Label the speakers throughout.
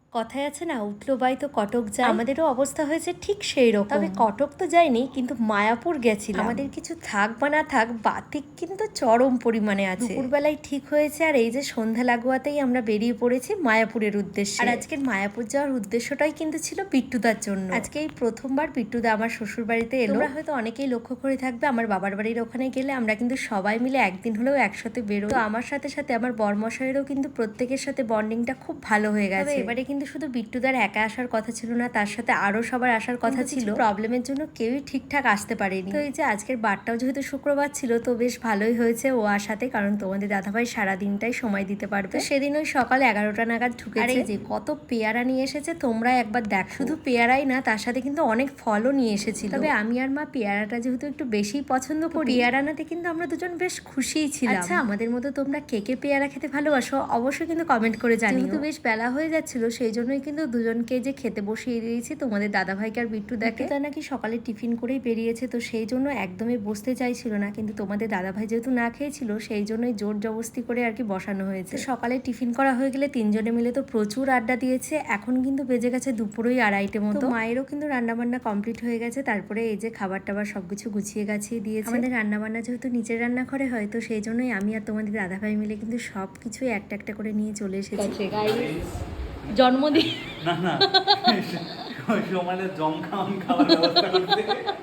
Speaker 1: কথায় আছে না, উঠলো বাই তো কটক যায়। আমাদেরও অবস্থা হয়েছে ঠিক সেই রকম। তবে কটক তো যাইনি, কিন্তু মায়াপুর গেছিলাম। আমাদের কিছু থাক বা না থাক, বাতিক কিন্তু চরম পরিমাণে আছে। দুপুরবেলায় ঠিক হয়েছে, আর এই যে সন্ধ্যা লাগোয়াতেই আমরা বেরিয়ে পড়েছি মায়াপুরের উদ্দেশ্যে। আর আজকের মায়াপুর যাওয়ার উদ্দেশ্যটাই কিন্তু ছিল বিট্টুদার জন্য। আজকে এই প্রথমবার বিট্টুদা আমার শ্বশুর বাড়িতে এলো। তোমরা হয়তো অনেকেই লক্ষ্য করে থাকবে, আমার বাবার বাড়ির ওখানে গেলে আমরা কিন্তু সবাই মিলে একদিন হলেও একসাথে বেরোই। তো আমার সাথে সাথে আমার বরমশাইয়েরও কিন্তু প্রত্যেকের সাথে বন্ডিংটা খুব ভালো হয়ে গেছে। এবারে কিন্তু শুধু বিট্টুদার একা আসার কথা ছিল না, তার সাথে আরো সবার আসার কথা ছিল। প্রবলেমের জন্য কেউই ঠিকঠাক আসতে পারেনি। তো এই যে আজকের বারটাও যেহেতু শুক্রবার ছিল, তো বেশ ভালোই হয়েছে ও আসাতে, কারণ তোমাদের দাদাভাই সারাদিনটাই সময় দিতে পারবে। সেদিন ওই সকাল 11টা নাগাদ ঢুকেছে। আর এই যে কত পেয়ারা নিয়ে এসেছে তোমরা একবার দেখ। শুধু পেয়ারাই না, তার সাথে কিন্তু অনেক ফলও নিয়ে এসেছিল। তবে আমি আর মা পেয়ারাটা যেহেতু একটু বেশি পছন্দ করি, পেয়ারা নাতে কিন্তু আমরা দুজন বেশ খুশিই ছিলাম। আচ্ছা, আমাদের মতো তোমরা কে কে পেয়ারা খেতে ভালোবাসো অবশ্যই কিন্তু কমেন্ট করে জানিও। যেহেতু বেশ বেলা হয়ে যাচ্ছিল, সেই জন্যই কিন্তু দুজনকে যে খেতে বসিয়ে দিয়েছি, তোমাদের দাদাভাইকে আর বিট্টু দেখে। তা নাকি সকালে টিফিন করেই বেরিয়েছে, তো সেই জন্য একদমই বসতে চাইছিল না, কিন্তু তোমাদের দাদাভাই যেহেতু না খেয়েছিল, সেই জন্যই জোর জবস্তি করে আর কি বসানো হয়েছে। সকালে টিফিন করা হয়ে গেলে তিনজনে মিলে তো প্রচুর আড্ডা দিয়েছে। এখন কিন্তু বেজে গেছে দুপুরই 2:30 মতো। মায়েরও কিন্তু রান্নাবান্না কমপ্লিট হয়ে গেছে। তারপরে এই যে খাবার টাবার সবকিছু গুছিয়ে গাছিয়ে দিয়েছে। আমাদের রান্নাবান্না যেহেতু নিচের রান্নাঘরে হয়, তো সেই জন্যই আমি আর তোমাদের দাদাভাই মিলে কিন্তু সব কিছুই একটা একটা করে নিয়ে চলে এসেছি। জন্মদিন
Speaker 2: না না, সমানে জম খাওয়ান খাওয়ার ব্যবস্থা করতে।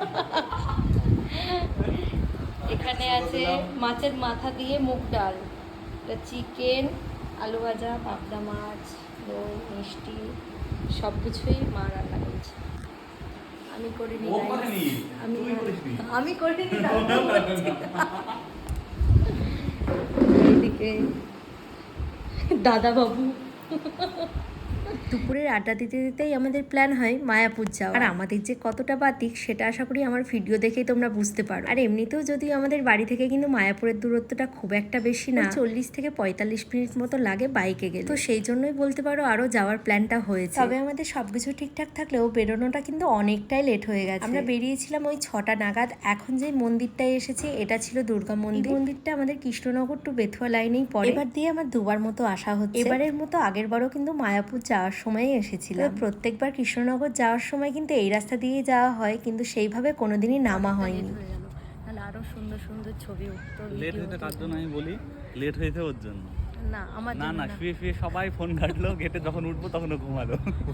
Speaker 1: এখানে আছে মাছের মাথা দিয়ে মুগ ডাল, চিকেন, আলু ভাজা, পাবদা মাছ, দই, মিষ্টি, সব কিছুই মা রান্না করেছে। আমি করিনি, আমি করিনি। এইদিকে দাদা বাবু। দুপুরের আড্ডা দিতে দিতেই আমাদের প্ল্যান হয় মায়াপুর যাওয়া। আর আমাদের যে কতটা বাতিক সেটা আশা করি আমার ভিডিও দেখেই তোমরা বুঝতে পারো। আর এমনিতেও যদিও আমাদের বাড়ি থেকে কিন্তু মায়াপুরের দূরত্বটা খুব একটা বেশি না, 40 থেকে 45 মিনিট মতো লাগে বাইকে গেলে। তো সেই জন্যই বলতে পারো আরো যাওয়ার প্ল্যানটা হয়েছে। তবে আমাদের সবকিছু ঠিকঠাক থাকলেও বেরোনোটা কিন্তু অনেকটাই লেট হয়ে গেছে। আমরা বেরিয়েছিলাম ওই 6টা নাগাদ। এখন যে মন্দিরটায় এসেছি এটা ছিল দুর্গা মন্দির। মন্দিরটা আমাদের কৃষ্ণনগর টু বেথুয়া লাইনেই পড়ে। এবার দিয়ে আমার দুবার মতো আসা হচ্ছে। এবারের মতো আগের বারও কিন্তু মায়াপুর যাওয়ার সময় এসেছিলাম। প্রত্যেকবার কৃষ্ণনগর যাওয়ার সময় কিন্তু এই রাস্তা দিয়ে যাওয়া হয়, কিন্তু সেইভাবে কোনোদিনই নামা হয়নি। তাহলে আরো সুন্দর সুন্দর ছবি উঠতো।
Speaker 2: লেট হয়েছে কার জন্য আমি বলি, লেট হয়েছে ওর জন্য
Speaker 1: না, আমার
Speaker 2: না না, শুয়ে শুয়ে সবাই ফোন ঘাটলো, গেটে যখন উঠবো তখন ও ঘুমালো।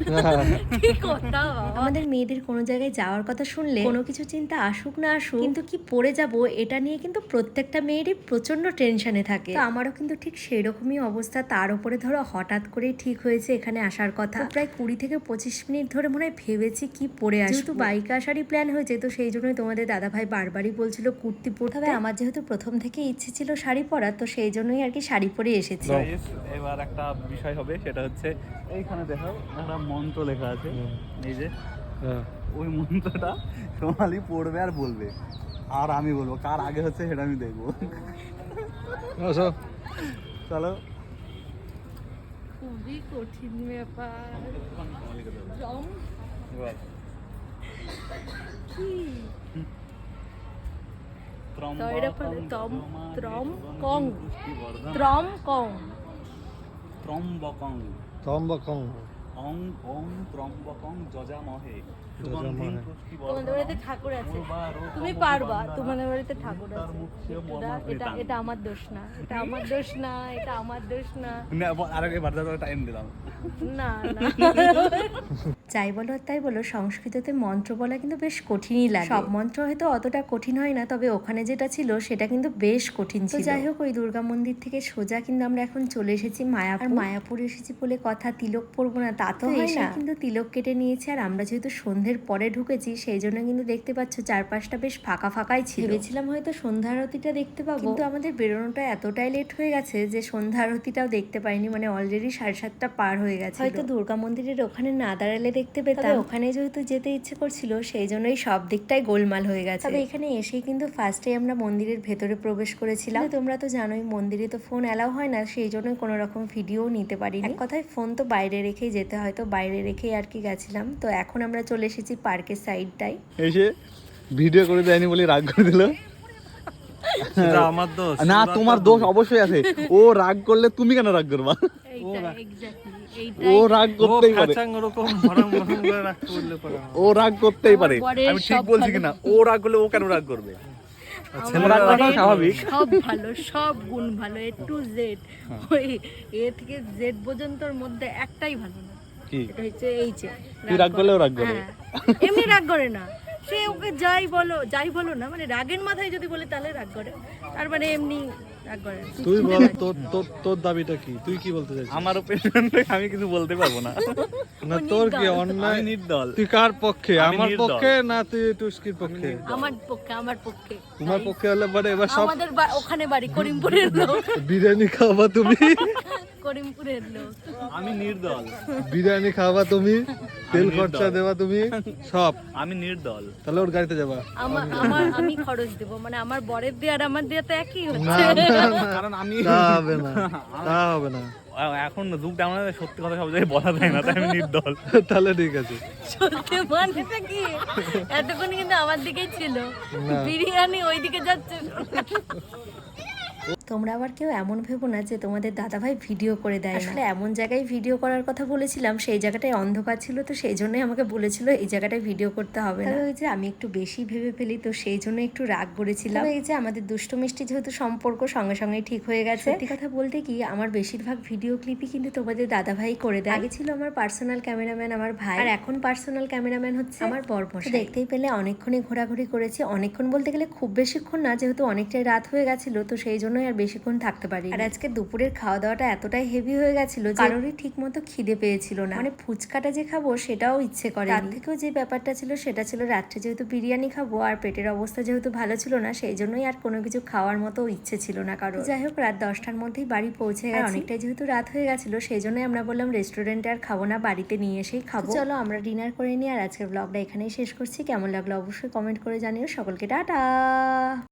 Speaker 1: আমাদের মেয়েদের কোনো জায়গায় যাওয়ার কথা শুনলে কোনো কিছু চিন্তা আসুক না আসুক, কিন্তু কি পরে যাব এটা নিয়ে কিন্তু প্রত্যেকটা মেয়েরই প্রচন্ড টেনশনে থাকে। তো আমারও কিন্তু ঠিক সেই রকমই অবস্থা। তার উপরে ধরো হঠাৎ করেই ঠিক হয়েছে এখানে আসার কথা। প্রায় 20 থেকে 25 মিনিট ধরে মনে হয় ভেবেছি কি পরে আসবো। যেহেতু বাইকে আসারই প্ল্যান হয়েছে, তো সেই জন্যই তোমাদের দাদাভাই বারবারই বলছিল কুর্তি পরতে হবে। আমার যেহেতু প্রথম থেকে ইচ্ছে ছিল শাড়ি পরার, তো সেই জন্যই আর কি শাড়ি পরে এসেছি।
Speaker 2: এবার একটা বিষয় হবে, সেটা হচ্ছে এইখানে দেখো একটা মন্ত্র লেখা আছে, এই যে ওই মন্ত্রটা সোমালি পড়বে আর বলবে, আর আমি বলবো। কার আগে হচ্ছে সেটা আমি দেখবো। চলো।
Speaker 1: খুবই কঠিন ব্যাপার।
Speaker 2: ত্রম্বকং অং ওং ত্রম্বকং যজামহে সুগন্ধিং
Speaker 1: তোমাদের বাড়িতে ঠাকুর আছে, তুমি পারবা। তোমাদের বাড়িতে ঠাকুর আছে। এটা আমার দোষ না, এটা আমার দোষ না, এটা আমার দোষ না।
Speaker 2: আরেকবার বারবার টাইম দিলাম।
Speaker 1: না না, যাই বলো তাই বলো, সংস্কৃততে মন্ত্র বলা কিন্তু বেশ কঠিনই লাগে। সব মন্ত্র হয়তো অতটা কঠিন হয় না, তবে ওখানে যেটা ছিল সেটা কিন্তু বেশ কঠিন ছিল। যাই হোক, ওই দুর্গা মন্দির থেকে সোজা কিন্তু আমরা এখন চলে এসেছি মায়াপুর। মায়াপুর এসেছি বলে কথা তিলক পরবো না তা তো হয় না, কিন্তু তিলক কেটে নিয়েছে। আর আমরা যেহেতু সন্ধ্যের পরে ঢুকেছি, সেই জন্য কিন্তু দেখতে পাচ্ছ চারপাশটা বেশ ফাঁকা ফাঁকাই ছিল। ভেবেছিলাম হয়তো সন্ধ্যা আরতিটা দেখতে পাবো, কিন্তু আমাদের বেরোনোটা এতটাই লেট হয়ে গেছে যে সন্ধ্যা আরতিটাও দেখতে পাইনি। মানে অলরেডি 7:30 পার হয়ে গেছে। হয়তো দুর্গা মন্দিরের ওখানে না দাঁড়ালে দেখতে পেতাম, ওখানে যেহেতু যেতে ইচ্ছে করছিল সেই জন্যই সব দিকটাই গোলমাল হয়ে গেছে। তবে এখানে এসেই কিন্তু ফার্স্টে আমরা মন্দিরের ভেতরে প্রবেশ করেছিলাম। তোমরা তো জানোই মন্দিরে তো ফোন অ্যালাউ হয় না, সেই জন্যই কোনো রকম ভিডিও নিতে পারিনি। এক কথায় ফোন তো বাইরে রেখেই যেতে হয়, তো বাইরে রেখেই আর কি গেছিলাম। তো এখন আমরা চলে এসেছি পার্কের সাইডটাই।
Speaker 2: এসে ভিডিও করে দেয়নি বলে রাগ করে দিল। আমার দোষ না, তোমার দোষ অবশ্যই আছে। ও রাগ করলে তুমি কেন রাগ করবা?
Speaker 1: এইটাই
Speaker 2: ও রাগ করতেই পারে,
Speaker 3: ওরকম ভরম ভরম করে রাখতে বললে পরে
Speaker 2: ও রাগ করতেই পারে।
Speaker 1: বরের
Speaker 2: আমি ঠিক
Speaker 1: সব
Speaker 2: বলছি
Speaker 1: ভালো।
Speaker 2: কিনা? ও রাগ করলে ও কেন রাগ করবে?
Speaker 1: আমার
Speaker 2: রাগ করাটা
Speaker 1: বরের
Speaker 2: স্বাভাবিক।
Speaker 1: সব ভালো, সব গুণ ভালো, এ টু জেড। ওই এ থেকে জেড পর্যন্তর মধ্যে একটাই ভালো না,
Speaker 2: কি?
Speaker 1: এটা হচ্ছে এই যে
Speaker 2: তুই রাগ করলেও রাগ করে?
Speaker 1: হ্যাঁ, এমনি রাগ করে না, সে ওকে যাই বলো না, মানে রাগের মাথায় যদি বলে তাহলে রাগ করে, আর মানে এমনি রাগ করে না।
Speaker 3: তুই বল তোর দাবিটা কি, তুই কি বলতে চাইছিস?
Speaker 2: আমার ওপিনিয়ন আমি কিছু বলতে পারবো না।
Speaker 3: না তোর কি
Speaker 2: আমি
Speaker 3: অন্যায়,
Speaker 2: নির্দল।
Speaker 3: তুই কার পক্ষে?
Speaker 2: আমি
Speaker 3: আমার
Speaker 2: নির্দল।
Speaker 3: পক্ষে না তুই টুস্কির পক্ষে?
Speaker 1: আমার পক্ষে
Speaker 3: তোমার পক্ষে হলে পরে এবার সব
Speaker 1: আমাদের ওখানে বাড়ি করিমপুরের লোক,
Speaker 3: বিরিয়ানি খাওয়াবা তুমি,
Speaker 1: করিমপুরের লোক।
Speaker 2: আমি নির্দল।
Speaker 3: বিরিয়ানি খাওয়াবা তুমি, তেল
Speaker 2: নির্দল।
Speaker 3: খরচা দেবা তুমি, সব।
Speaker 2: আমি নির্দল।
Speaker 3: তাহলে ওর গাড়িতে যাবা?
Speaker 1: আমি খরচ দেব, মানে আমার বরের দিয়ে আর আমার দিয়ে তো একই
Speaker 3: না
Speaker 1: হচ্ছে।
Speaker 3: না না,
Speaker 2: কারণ আমি
Speaker 3: তা হবে না, তা হবে না।
Speaker 2: এখন যুগটা আমরা সত্যি কথা সব জায়গায় বলা যায় না, তাই আমি নির্দল।
Speaker 3: তাহলে ঠিক আছে।
Speaker 1: সত্যি মানেটা কি, এতক্ষণ কিন্তু আমার দিকেই ছিল,
Speaker 3: না।
Speaker 1: বিরিয়ানি ওইদিকে যাচ্ছে। তোমরা আবার কেউ এমন ভেবো না যে তোমাদের দাদাভাই ভিডিও করে দেয় না। আসলে এমন জায়গায় ভিডিও করার কথা বলেছিলাম, সেই জায়গাটায় অন্ধকার ছিল, তো সেই জন্যই আমাকে বলেছিল এই জায়গাটায় ভিডিও করতে হবে না। ওই যে আমি একটু বেশি ভেবে ফেলি, তো সেই জন্য একটু রাগ করেছিলাম। এই যে আমাদের দুষ্টু মিষ্টি যেহেতু সম্পর্ক সঙ্গে সঙ্গে ঠিক হয়ে গেছে। সত্যি কথা বলতে কি, আমার বেশিরভাগ ভিডিও ক্লিপই কিন্তু তোমাদের দাদাভাই করে দেয়। আগে ছিল আমার পার্সোনাল ক্যামেরাম্যান আমার ভাই, আর এখন পার্সোনাল ক্যামেরাম্যান হচ্ছে আমার বরমশাই। দেখতেই পেলে অনেকক্ষণই ঘোরাঘুরি করেছি, অনেকক্ষণ বলতে গেলে খুব বেশিক্ষণ না, যেহেতু অনেকটাই রাত হয়ে গেছিল, তো সেই জন্যই আর বেশিক্ষণ থাকতে পারি। আর আজকে দুপুরের খাওয়া দাওয়াটা এতটাই হেভি হয়ে গেছিল, কারোরই ঠিক মতো খিদে পেয়েছিল না, মানে ফুচকাটা যে খাবো সেটাও ইচ্ছে করে। তার থেকেও যে ব্যাপারটা ছিল সেটা ছিল রাত্রে যেহেতু বিরিয়ানি খাবো, আর পেটের অবস্থা যেহেতু ভালো ছিল না, সেই জন্যই আর কোনো কিছু খাওয়ার মতো ইচ্ছে ছিল না কারো। যাই হোক, রাত 10টার মধ্যেই বাড়ি পৌঁছে গেছে। অনেকটাই যেহেতু রাত হয়ে গেছিল, সেই জন্যই আমরা বললাম রেস্টুরেন্টে আর খাবো না, বাড়িতে নিয়ে এসেই খাবো। চলো আমরা ডিনার করে নিই, আর আজকের ব্লগটা এখানেই শেষ করছি। কেমন লাগলো অবশ্যই কমেন্ট করে জানিও। সকলকে টাটা।